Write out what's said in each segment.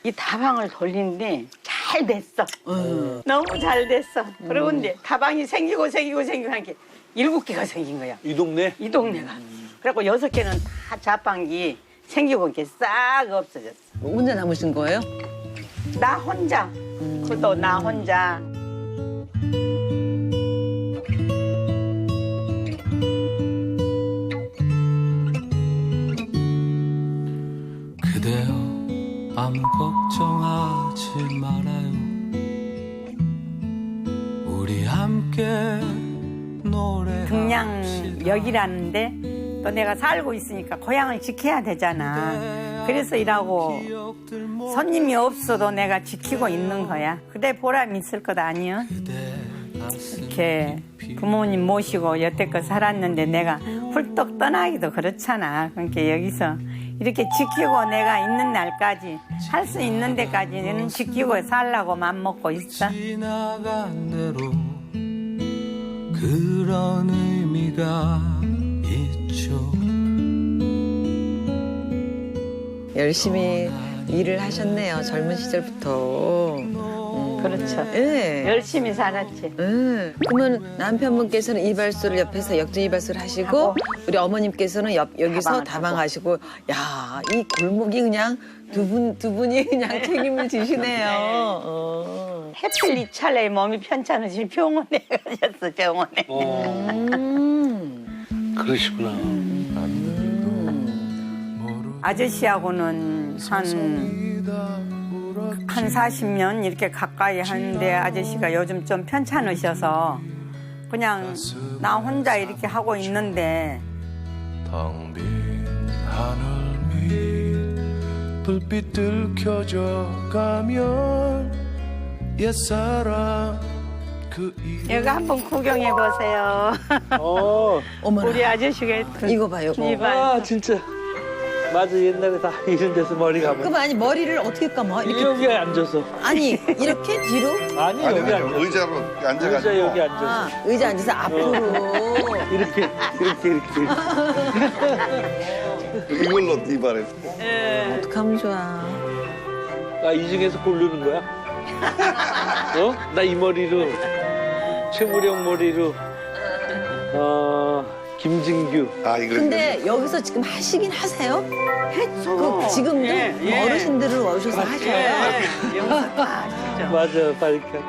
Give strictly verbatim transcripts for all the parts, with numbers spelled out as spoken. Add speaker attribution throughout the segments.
Speaker 1: 이 다방을 돌리는데 잘 됐어. 음. 너무 잘 됐어. 그러고 이제 다방이 생기고 생기고 생기고 한 게 일곱 개가 생긴 거야.
Speaker 2: 이 동네?
Speaker 1: 이 동네가. 그래갖고 여섯 개는 다 자판기 생기고 이렇게 싹 없어졌어.
Speaker 3: 혼자 남으신 거예요?
Speaker 1: 나 혼자. 그것도 나 혼자.
Speaker 4: 그대여 아무 걱정하지 말아요. 우리 함께 노래.
Speaker 1: 등량역이라는데 또 내가 살고 있으니까 고향을 지켜야 되잖아. 그래서 일하고 손님이 없어도 내가 지키고 있는 거야. 그래 보람 있을 것 아니요? 이렇게 부모님 모시고 여태껏 살았는데 내가 훌떡 떠나기도 그렇잖아. 그러니까 여기서 이렇게 지키고 내가 있는 날까지 할 수 있는 데까지는 지키고 살라고 맘먹고 있어.
Speaker 4: 지나간 대로 그런 의미가 있죠.
Speaker 3: 열심히 일을 하셨네요. 젊은 시절부터.
Speaker 1: 그렇죠.
Speaker 3: 예.
Speaker 1: 열심히 살았지.
Speaker 3: 예. 그러면 남편분께서는 이발소를 옆에서 역전 이발소를 하시고
Speaker 1: 하고,
Speaker 3: 우리 어머님께서는 옆, 여기서
Speaker 1: 다방을
Speaker 3: 다방하시고 야, 이 골목이 그냥 두 분, 두 분이 그냥 책임을 지시네요. 어.
Speaker 1: 해필 이 찰나에 몸이 편찮으시 병원에 가셨어, 병원에.
Speaker 2: 어,
Speaker 3: 음.
Speaker 2: 그러시구나.
Speaker 1: 아저씨하고는 한, 한 사십 년 이렇게 가까이 하는데 아저씨가 요즘 좀 편찮으셔서 그냥 나 혼자 이렇게 하고 있는데
Speaker 4: 텅빈 하늘 위 불빛들 켜져 가면 옛사람 그
Speaker 1: 여기 한번 구경해 보세요.
Speaker 2: 어,
Speaker 3: 어머나.
Speaker 1: 우리 아저씨가 했던
Speaker 3: 이거 봐요. 이거.
Speaker 1: 이발.
Speaker 2: 아, 진짜. 맞아, 옛날에 다 이런 데서 머리 감아.
Speaker 3: 그럼 아니 머리를 어떻게 감아? 이렇게
Speaker 2: 여기 앉아서.
Speaker 3: 아니 이렇게 뒤로?
Speaker 2: 아니,
Speaker 5: 아니,
Speaker 2: 여기
Speaker 5: 아니,
Speaker 2: 앉아서.
Speaker 5: 의자로 앉아가지고.
Speaker 2: 의자 여기 앉아서.
Speaker 3: 아, 의자 앉아서 앞으로.
Speaker 2: 이렇게, 이렇게, 이렇게.
Speaker 5: 이걸로 이발했어.
Speaker 3: 어떡하면 좋아.
Speaker 2: 나 이 중에서 고르는 거야? 어? 나 이 머리로, 최무령 머리로, 어, 김진규.
Speaker 5: 아, 이거.
Speaker 3: 근데 여기서 지금 하시긴 하세요?
Speaker 1: 했어.
Speaker 3: 그 지금도
Speaker 1: 예, 예.
Speaker 3: 어르신들을 오셔서 하셔요?
Speaker 1: 예, 여기서 다 하시죠.
Speaker 2: 맞아, 바리카.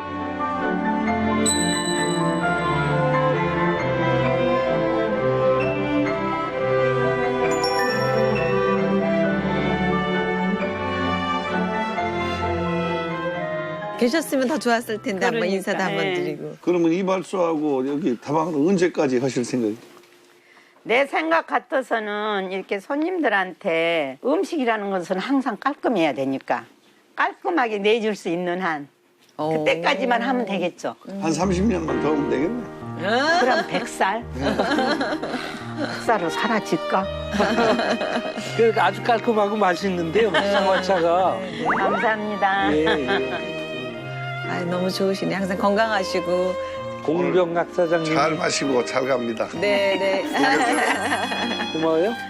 Speaker 3: 계셨으면 더 좋았을 텐데 한번
Speaker 1: 그러니까,
Speaker 3: 인사도 한번
Speaker 1: 예.
Speaker 3: 드리고.
Speaker 5: 그러면 이발소하고 여기 다방은 언제까지 하실 생각이에요?
Speaker 1: 내 생각 같아서는 이렇게 손님들한테 음식이라는 것은 항상 깔끔해야 되니까 깔끔하게 내줄 수 있는 한
Speaker 3: 오.
Speaker 1: 그때까지만 하면 되겠죠.
Speaker 5: 한 삼십 년만 더 하면 되겠네.
Speaker 1: 그럼 백 살? 백 살로 사라질까?
Speaker 2: 그러니까 아주 깔끔하고 맛있는데요, 쌍화차가.
Speaker 1: 감사합니다.
Speaker 2: 예, 예.
Speaker 3: 아, 너무 좋으시네. 항상 건강하시고.
Speaker 2: 공병락 사장님.
Speaker 5: 잘 마시고 잘 갑니다.
Speaker 3: 네, 네.
Speaker 2: 고마워요.